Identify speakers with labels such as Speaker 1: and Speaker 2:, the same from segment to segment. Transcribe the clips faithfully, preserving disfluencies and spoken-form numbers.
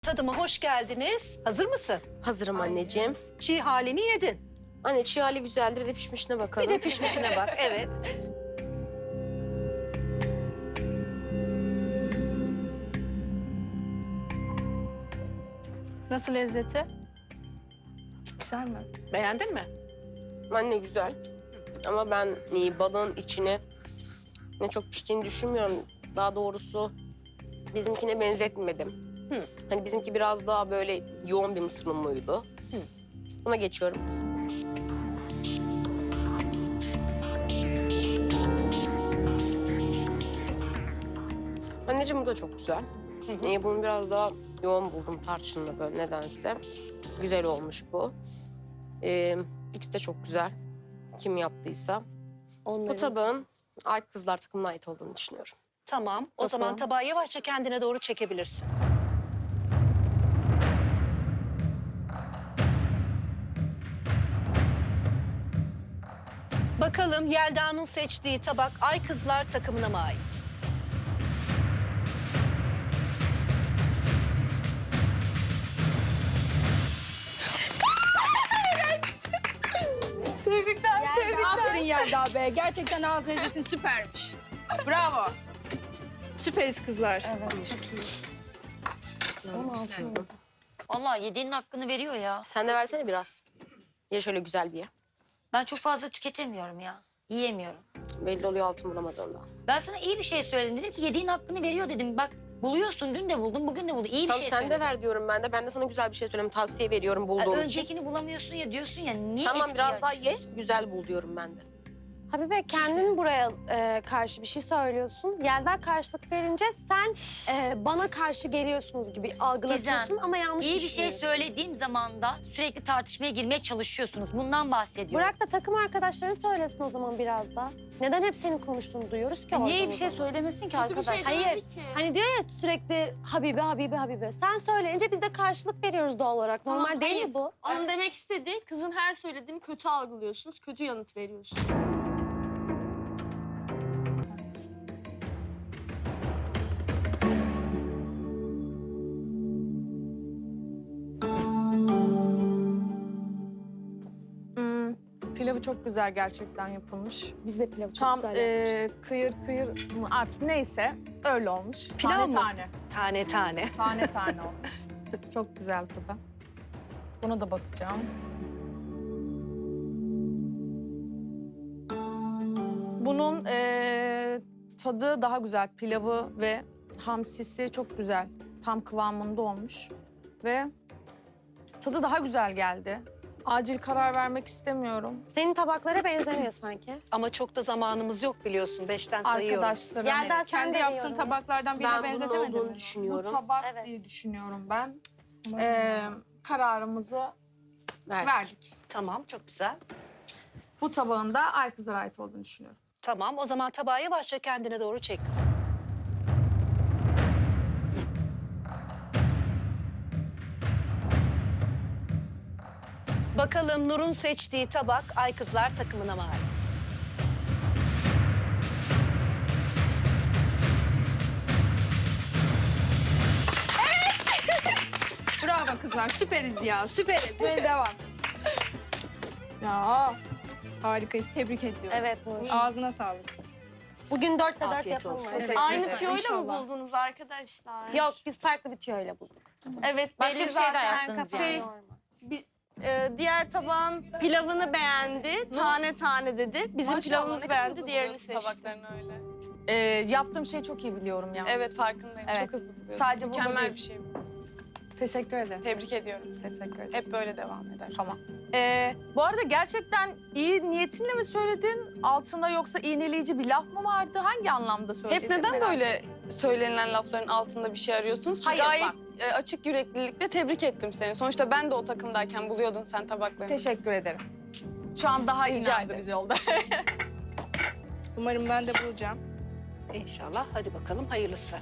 Speaker 1: Tadıma hoş geldiniz. Hazır mısın?
Speaker 2: Hazırım anneciğim.
Speaker 1: Çiğ halini yedin.
Speaker 2: Anne çiğ hali güzeldir, bir de pişmişine bakalım.
Speaker 1: Bir de pişmişine bak, evet.
Speaker 3: Nasıl lezzeti? Güzel mi?
Speaker 1: Beğendin mi?
Speaker 2: Anne güzel. Ama ben e, balığın içine ne çok piştiğini düşünmüyorum. Daha doğrusu bizimkine benzetmedim.
Speaker 1: Hı.
Speaker 2: Hani bizimki biraz daha böyle yoğun bir mısır unuydu.
Speaker 1: Hı.
Speaker 2: Buna geçiyorum. Anneciğim bu da çok güzel.
Speaker 1: Hı hı.
Speaker 2: Ee, bunu biraz daha yoğun buldum tarçınla böyle nedense. Güzel olmuş bu. Ee, ikisi de çok güzel. Kim yaptıysa. Bu
Speaker 3: Onların.
Speaker 2: tabağın Ay Kızlar takımına ait olduğunu düşünüyorum.
Speaker 1: Tamam. O zaman tabağı yavaşça kendine doğru çekebilirsin. Bakalım Yelda'nın seçtiği tabak Ay Kızlar takımına mı ait?
Speaker 3: Tebrikler, tebrikler. Aferin Yelda be. Gerçekten ağız lezzetin süpermiş. Bravo. Süperiz kızlar.
Speaker 4: Evet, çok iyi.
Speaker 2: İstiyorum.
Speaker 4: Vallahi yediğinin hakkını veriyor ya.
Speaker 2: Sen de versene biraz. Ye şöyle güzel bir ye.
Speaker 4: Ben çok fazla tüketemiyorum ya. Yiyemiyorum.
Speaker 2: Belli oluyor altın bulamadığında.
Speaker 4: Ben sana iyi bir şey söyledim. Dedim ki yediğin hakkını veriyor dedim. Bak buluyorsun. Dün de buldun, bugün de buldun. İyi bir
Speaker 2: Tamam
Speaker 4: şey
Speaker 2: sen
Speaker 4: söyledim.
Speaker 2: de ver diyorum ben de. Ben de sana güzel bir şey söyleyeyim. Tavsiye veriyorum
Speaker 4: Yani
Speaker 2: bulduğum için.
Speaker 4: öncekini bulamıyorsun ya diyorsun ya. Niye
Speaker 2: Tamam
Speaker 4: eskiyi
Speaker 2: biraz daha ye.
Speaker 4: açıyorsun?
Speaker 2: Güzel bul diyorum ben de.
Speaker 5: Habibe kendin buraya e, karşı bir şey söylüyorsun. Yelda karşılık verince sen e, bana karşı geliyorsunuz gibi algılatıyorsun
Speaker 4: Gizem,
Speaker 5: ama yanlış
Speaker 4: İyi bir şey
Speaker 5: düşünüyorsun.
Speaker 4: söylediğim zaman da sürekli tartışmaya girmeye çalışıyorsunuz. Bundan bahsediyorum.
Speaker 5: Bırak da takım arkadaşları söylesin o zaman biraz da. Neden hep senin konuştuğunu duyuyoruz ki
Speaker 6: Niye iyi
Speaker 5: oradan
Speaker 6: bir
Speaker 5: o
Speaker 6: şey
Speaker 5: zaman?
Speaker 6: söylemesin ki
Speaker 3: Kötü bir şey
Speaker 6: arkadaşlar?
Speaker 5: Hayır. Hani diyor ya sürekli Habibe, Habibe, Habibe. Sen söyleyince biz de karşılık veriyoruz doğal olarak. Normal
Speaker 6: Tamam,
Speaker 5: değil
Speaker 6: hayır.
Speaker 5: mi bu?
Speaker 7: Onun demek istediği kızın her söylediğini kötü algılıyorsunuz, kötü yanıt veriyorsunuz.
Speaker 3: Hmm, pilavı çok güzel gerçekten yapılmış.
Speaker 5: Biz de pilavı çok
Speaker 3: Tam
Speaker 5: güzel
Speaker 3: e,
Speaker 5: yapmıştık.
Speaker 3: kıyır kıyır mı artık neyse öyle olmuş.
Speaker 1: Pilav
Speaker 3: tane
Speaker 1: mı?
Speaker 3: tane.
Speaker 1: Tane tane.
Speaker 3: Tane tane olmuş. Çok güzel tadı. Buna da bakacağım. Bunun e, tadı daha güzel. Pilavı ve hamsisi çok güzel. Tam kıvamında olmuş. Ve tadı daha güzel geldi. Acil karar vermek istemiyorum.
Speaker 5: Senin tabaklara benzemiyor sanki.
Speaker 1: Ama çok da zamanımız yok biliyorsun. Beşten sayıyorum.
Speaker 3: Arkadaşlarım
Speaker 5: Yelda, sen
Speaker 3: kendi
Speaker 5: de
Speaker 3: yaptığın
Speaker 5: yiyorum.
Speaker 3: tabaklardan birine
Speaker 2: Ben bunun
Speaker 3: benzetemedin
Speaker 2: olduğunu
Speaker 3: mi?
Speaker 2: düşünüyorum.
Speaker 3: Bu tabak
Speaker 5: Evet.
Speaker 3: diye düşünüyorum ben. Ee, kararımızı
Speaker 2: Verdik.
Speaker 3: verdik.
Speaker 1: Tamam, çok güzel.
Speaker 3: Bu tabağın da Ay Kızlar'a ait olduğunu düşünüyorum.
Speaker 1: Tamam, o zaman tabağı yavaşça kendine doğru çek kızım. Bakalım Nur'un seçtiği tabak Ay Kızlar takımına mı ait?
Speaker 3: Bravo kızlar, süperiz ya, süperiz. Böyle devam. Ya harikayız, tebrik ediyorum.
Speaker 5: Evet Nur.
Speaker 3: Ağzına sağlık.
Speaker 5: Bugün dörtte dört
Speaker 1: Afiyet
Speaker 5: yapalım.
Speaker 1: olsun.
Speaker 5: Evet.
Speaker 3: Teşekkür
Speaker 7: Aynı
Speaker 3: ederim.
Speaker 7: tüyoyla mı
Speaker 3: İnşallah.
Speaker 7: buldunuz arkadaşlar?
Speaker 5: Yok biz farklı bir tüyoyla bulduk.
Speaker 7: Evet,
Speaker 4: Başka
Speaker 7: belli
Speaker 4: bir şey de
Speaker 7: zaten.
Speaker 4: yaptınız
Speaker 7: Şey,
Speaker 4: yani.
Speaker 7: bir, e, diğer tabağın pilavını beğendi, tane tane dedi. Bizim pilavımızı beğendi, diğerini seçti.
Speaker 8: öyle.
Speaker 3: Ee, yaptığım şeyi çok iyi biliyorum ya.
Speaker 8: Evet farkındayım.
Speaker 3: Evet.
Speaker 8: Çok hızlı buluyorsun.
Speaker 3: Sadece burada
Speaker 8: Mükemmel
Speaker 3: değil.
Speaker 8: bir şey bu.
Speaker 3: Teşekkür ederim.
Speaker 8: Tebrik ediyorum seni.
Speaker 3: Teşekkür ederim.
Speaker 8: Hep böyle devam eder.
Speaker 3: Tamam. Ee, bu arada gerçekten iyi niyetinle mi söyledin? Altında yoksa iğneleyici bir laf mı vardı? Hangi anlamda söyledin?
Speaker 8: Hep neden
Speaker 3: merak
Speaker 8: böyle söylenilen lafların altında bir şey arıyorsunuz ki?
Speaker 3: Hayır,
Speaker 8: Gayet
Speaker 3: bak.
Speaker 8: e, açık yüreklilikle tebrik ettim seni. Sonuçta ben de o takımdayken buluyordun sen tabaklarını.
Speaker 3: Teşekkür ederim. Şu an daha
Speaker 8: Rica
Speaker 3: inandırıcı
Speaker 8: ederim.
Speaker 3: oldu. Umarım ben de bulacağım.
Speaker 1: İnşallah. Hadi bakalım hayırlısı.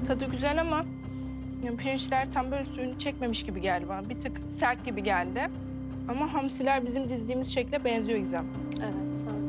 Speaker 6: Tadı güzel ama yani pirinçler tam böyle suyunu çekmemiş gibi geldi bana. Bir tık sert gibi geldi. Ama hamsiler bizim dizdiğimiz şekle benziyor Gizem.
Speaker 5: Evet, sen.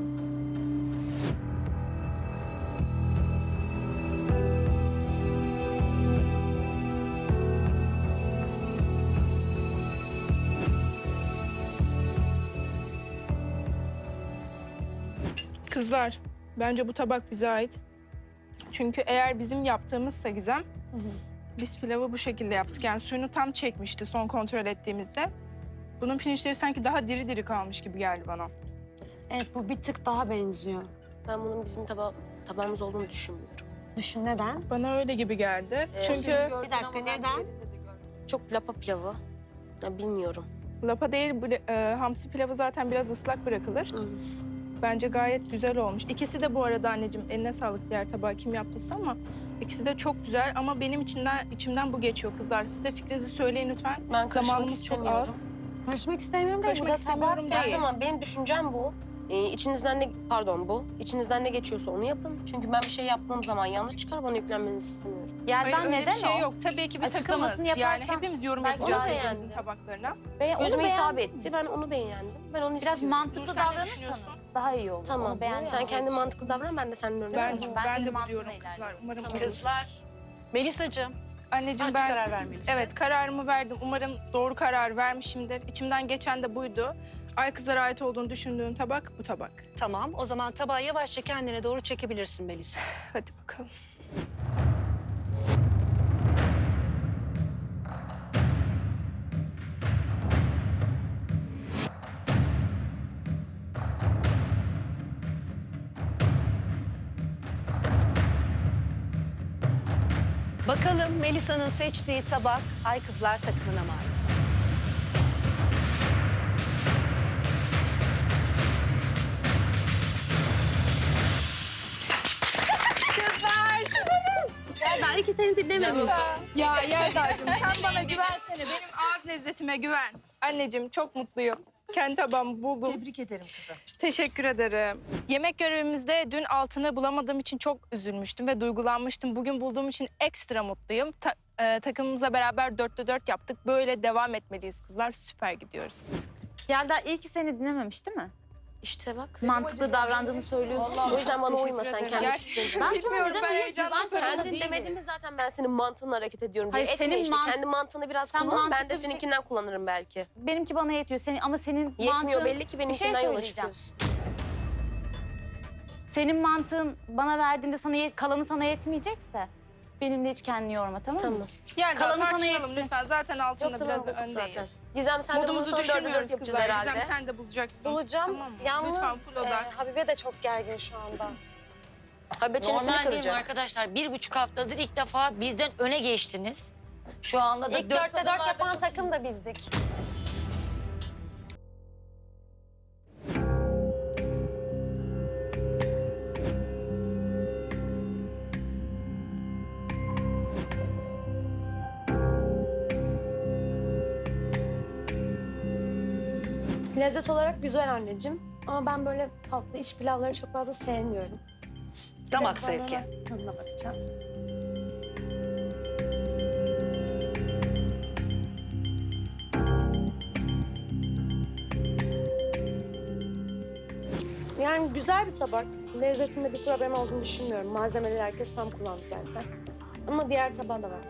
Speaker 6: Kızlar, bence bu tabak bize ait. Çünkü eğer bizim yaptığımızsa Gizem, biz pilavı bu şekilde yaptık. Yani suyunu tam çekmişti son kontrol ettiğimizde. Bunun pirinçleri sanki daha diri diri kalmış gibi geldi bana.
Speaker 5: Evet, bu bir tık daha benziyor.
Speaker 2: Ben bunun bizim taba tabağımız olduğunu düşünmüyorum.
Speaker 5: Düşün neden?
Speaker 6: Bana öyle gibi geldi.
Speaker 2: Ee,
Speaker 6: Çünkü
Speaker 5: Bir dakika, neden?
Speaker 2: Çok lapa pilavı. Ya bilmiyorum.
Speaker 6: lapa değil, bu, e, hamsi pilavı zaten biraz ıslak bırakılır. Bence gayet güzel olmuş. İkisi de bu arada anneciğim eline sağlık diğer tabağı kim yaptıysa ama ikisi de çok güzel ama benim içinden içimden bu geçiyor kızlar. Siz de fikrinizi söyleyin lütfen.
Speaker 2: Ben karışmak
Speaker 6: Zamanımız çok az.
Speaker 2: istemiyorum.
Speaker 5: Karışmak istemiyorum değil.
Speaker 6: Karışmak
Speaker 5: Bu da tabak.
Speaker 6: istemiyorum
Speaker 2: Ya
Speaker 6: değil.
Speaker 2: tamam, benim düşüncem bu. Ee, içinizden ne, pardon bu. İçinizden ne geçiyorsa onu yapın. Çünkü ben bir şey yaptığım zaman yanlış çıkar, bana yüklenmenizi istemiyorum.
Speaker 4: Yerden
Speaker 6: Hayır, öyle
Speaker 4: neden
Speaker 6: bir şey
Speaker 4: o?
Speaker 6: yok. Tabii ki bir takımız.
Speaker 4: Açıklamasını
Speaker 6: Yani
Speaker 4: yaparsan
Speaker 6: hepimiz yorum
Speaker 2: belki
Speaker 6: yapacağız
Speaker 2: onu
Speaker 6: birbirimizin
Speaker 2: beğendim.
Speaker 6: tabaklarına.
Speaker 4: Be onu
Speaker 2: Gözüme hitap
Speaker 4: beğendim.
Speaker 2: etti, ben onu beğendim. Ben onu
Speaker 4: Biraz
Speaker 2: istiyorum.
Speaker 4: mantıklı
Speaker 6: Dur, sen ne
Speaker 4: davranırsanız
Speaker 6: düşünüyorsun?
Speaker 4: daha iyi olur.
Speaker 2: Tamam,
Speaker 4: Onu beğendim.
Speaker 2: sen kendi mantıklı davran, ben de seninle öyle
Speaker 6: Ben,
Speaker 2: davranırım.
Speaker 4: Ben
Speaker 6: ben,
Speaker 4: senin
Speaker 6: de bu
Speaker 4: mantığına
Speaker 6: diyorum
Speaker 4: ilerliyorum.
Speaker 6: kızlar. Umarım
Speaker 2: Tamam.
Speaker 6: olur.
Speaker 1: Kızlar. Melisacığım
Speaker 6: Anneciğim
Speaker 1: artık
Speaker 6: ben
Speaker 1: karar vermelisin.
Speaker 6: evet kararımı verdim. Umarım doğru karar vermişimdir. İçimden geçen de buydu. Ay kızlara ait olduğunu düşündüğüm tabak bu tabak.
Speaker 1: Tamam, o zaman tabağı yavaşça kendine doğru çekebilirsin Melisa.
Speaker 6: Hadi bakalım.
Speaker 1: Bakalım Melisa'nın seçtiği tabak Ay Kızlar takımına mı ait?
Speaker 5: Ben iki seni dinlememiş.
Speaker 6: Ya Yelda'cığım sen bana güvensene. Benim ağız lezzetime güven. Anneciğim çok mutluyum. Kendi tabağımı buldum.
Speaker 1: Tebrik ederim kızım.
Speaker 6: Teşekkür ederim. Yemek görevimizde dün altını bulamadığım için çok üzülmüştüm ve duygulanmıştım. Bugün bulduğum için ekstra mutluyum. Ta- e, takımımızla beraber dörtte dört yaptık. Böyle devam etmeliyiz kızlar. Süper gidiyoruz.
Speaker 4: Yelda iyi ki seni dinlememiş değil mi?
Speaker 2: İşte bak.
Speaker 4: Mantıklı davrandığını söylüyorsun.
Speaker 2: O yüzden bana
Speaker 6: Teşekkür
Speaker 2: uyma, sen
Speaker 6: ederim.
Speaker 2: kendi
Speaker 6: Gerçekten.
Speaker 2: fikrini.
Speaker 4: Ben sana
Speaker 6: Bilmiyorum,
Speaker 4: neden
Speaker 6: ben
Speaker 4: uyuyorum?
Speaker 6: heyecandan
Speaker 4: Zaten öyle
Speaker 2: Kendin
Speaker 4: değilim.
Speaker 2: demedin mi zaten ben senin mantığınla hareket ediyorum diye.
Speaker 4: Hayır,
Speaker 2: Etme
Speaker 4: senin
Speaker 2: işte.
Speaker 4: mant-
Speaker 2: Kendi mantığını biraz
Speaker 4: Sen
Speaker 2: kullan. Ben
Speaker 4: mantıklı
Speaker 2: de
Speaker 4: bir şey-
Speaker 2: seninkinden kullanırım belki.
Speaker 4: Benimki bana yetiyor. Senin, ama senin
Speaker 2: Yetmiyor
Speaker 4: mantığın...
Speaker 2: belli ki
Speaker 4: Bir şey
Speaker 2: benimkinden yola
Speaker 4: söyleyeceğim.
Speaker 2: çıkıyorsun.
Speaker 4: Senin mantığın bana verdiğinde sana yet- kalanı sana yetmeyecekse benimle hiç kendini yorma, tamam mı?
Speaker 2: Tamam.
Speaker 6: Yani
Speaker 4: Kalanı sana
Speaker 6: tartışalım
Speaker 4: yetsin.
Speaker 6: lütfen. Zaten altında
Speaker 2: Yok tamam,
Speaker 6: biraz
Speaker 2: bulduk
Speaker 6: öndeyiz.
Speaker 2: zaten. Gizem sen de bunu
Speaker 6: Modumuzu
Speaker 2: son dörde dört
Speaker 6: düşünmüyoruz
Speaker 2: yapacağız
Speaker 6: kızlar.
Speaker 2: herhalde.
Speaker 6: Gizem sen de bulacaksın.
Speaker 5: Bulacağım.
Speaker 6: Tamam mı?
Speaker 5: Yalnız
Speaker 6: Lütfen full odak.
Speaker 5: e, Habibe de çok gergin şu anda.
Speaker 2: Habibe çenesini
Speaker 4: Normal değil mi
Speaker 2: kıracak.
Speaker 4: arkadaşlar? Bir buçuk haftadır ilk defa bizden öne geçtiniz. Şu anda da
Speaker 5: İlk
Speaker 4: dört...
Speaker 5: dörtte dört yapan takım da bizdik. Lezzet olarak güzel anneciğim. Ama ben böyle tatlı iç pilavları çok fazla sevmiyorum.
Speaker 1: Damak
Speaker 5: Biraz sonra
Speaker 1: zevki.
Speaker 5: Tadına bakacağım. Yani güzel bir tabak. Lezzetinde bir problem olduğunu düşünmüyorum. Malzemeleri herkes tam kullandı zaten. Ama diğer tabağı da var.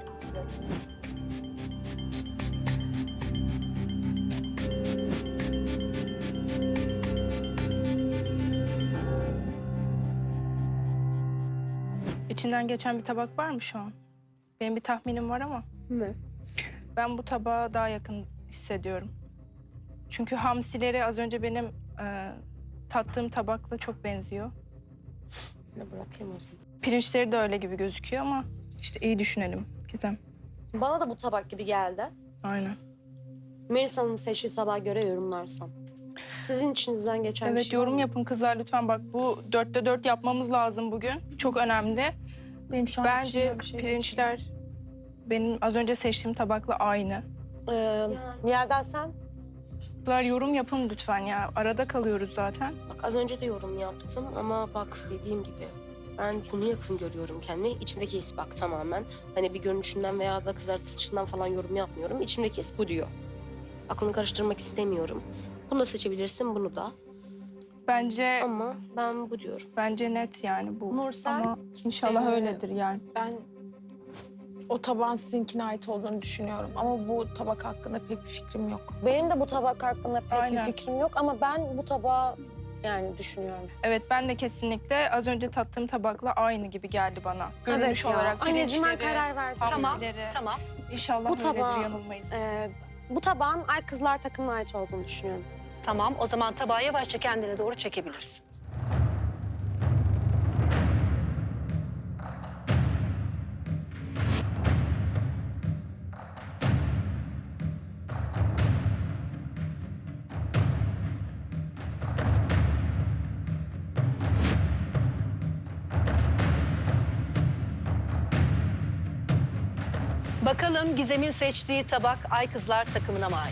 Speaker 6: İçinden geçen bir tabak var mı şu an? Benim bir tahminim var ama
Speaker 5: Ne?
Speaker 6: ben bu tabağa daha yakın hissediyorum. Çünkü hamsileri az önce benim e, tattığım tabakla çok benziyor.
Speaker 5: Ne bırakayım o zaman.
Speaker 6: Pirinçleri de öyle gibi gözüküyor ama işte iyi düşünelim Gizem.
Speaker 5: Bana da bu tabak gibi geldi.
Speaker 6: Aynen.
Speaker 5: Melisa'nın seçtiği tabağa göre yorumlarsam. Sizin içinizden geçen bir
Speaker 6: Evet
Speaker 5: şey var
Speaker 6: yorum
Speaker 5: mı?
Speaker 6: yapın kızlar lütfen. Bak bu dörtte dört yapmamız lazım bugün. Çok önemli.
Speaker 3: Benim şu an
Speaker 6: Bence
Speaker 3: içimden bir şey
Speaker 6: pirinçler benim az önce seçtiğim tabakla aynı.
Speaker 5: Ee, Yelda sen?
Speaker 6: Kızlar yorum yapın lütfen ya. Arada kalıyoruz zaten.
Speaker 2: Bak az önce de yorum yaptım ama bak dediğim gibi Ben bunu yakın görüyorum kendimi. İçimdeki his bak tamamen. Hani bir görünüşünden veya da kızartılışından falan yorum yapmıyorum. İçimdeki his bu diyor. Aklını karıştırmak istemiyorum. Bunu da seçebilirsin, bunu da.
Speaker 6: Bence
Speaker 2: Ama ben bu diyorum.
Speaker 6: bence net yani bu.
Speaker 5: Nursel?
Speaker 6: Ama inşallah
Speaker 3: Ee,
Speaker 6: öyledir yani.
Speaker 3: Ben o tabağın sizinkine ait olduğunu düşünüyorum. Ama bu tabak hakkında pek bir fikrim yok.
Speaker 5: Benim de bu tabak hakkında pek
Speaker 6: Aynen.
Speaker 5: bir fikrim yok ama ben bu tabağı yani düşünüyorum.
Speaker 6: Evet ben de kesinlikle az önce tattığım tabakla aynı gibi geldi bana. Görünüş
Speaker 5: evet ya.
Speaker 6: olarak
Speaker 5: Anneciğim ben
Speaker 6: pirinçleri,
Speaker 5: karar verdim.
Speaker 1: Tamam,
Speaker 6: hamsileri.
Speaker 1: tamam.
Speaker 6: İnşallah
Speaker 5: Bu
Speaker 6: öyledir,
Speaker 5: tabağı,
Speaker 6: yanılmayız.
Speaker 5: Ee, bu tabağın Ay Kızlar takımına ait olduğunu düşünüyorum.
Speaker 1: Tamam, o zaman tabağı yavaşça kendine doğru çekebilirsin. Bakalım Gizem'in seçtiği tabak Ay Kızlar takımına mı ait?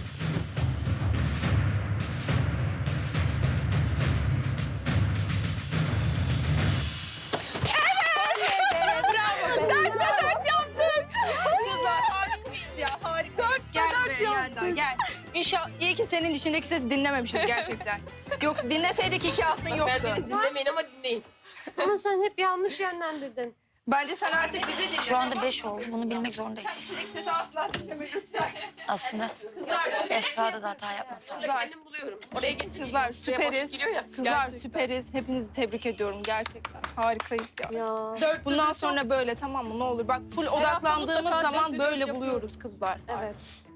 Speaker 6: Kızlar harikayız ya, harika. Dört gel buraya Yelda, gel. İnşallah iyi ki senin dişindeki sesi dinlememişiz gerçekten. Yok dinleseydik iki altın yoktu.
Speaker 2: Ben beni dinlemeyin ama dinleyin.
Speaker 5: Ama sen hep yanlış yönlendirdin.
Speaker 6: Bence sen artık bizi dinle.
Speaker 9: Şu anda beş oldu. Bunu bilmek zorundayız.
Speaker 6: Dişindeki sesi asla dinleme lütfen.
Speaker 9: Aslında Esra'da da hata yapmasam.
Speaker 2: Kendim buluyorum. Oraya geçin.
Speaker 6: Kızlar süperiz. Kızlar süperiz. Hepinizi tebrik ediyorum gerçekten. Harikayız ya.
Speaker 5: Ya.
Speaker 6: Bundan sonra böyle tamam mı? Ne olur bak full odaklandığımız zaman böyle buluyoruz kızlar.
Speaker 5: Evet.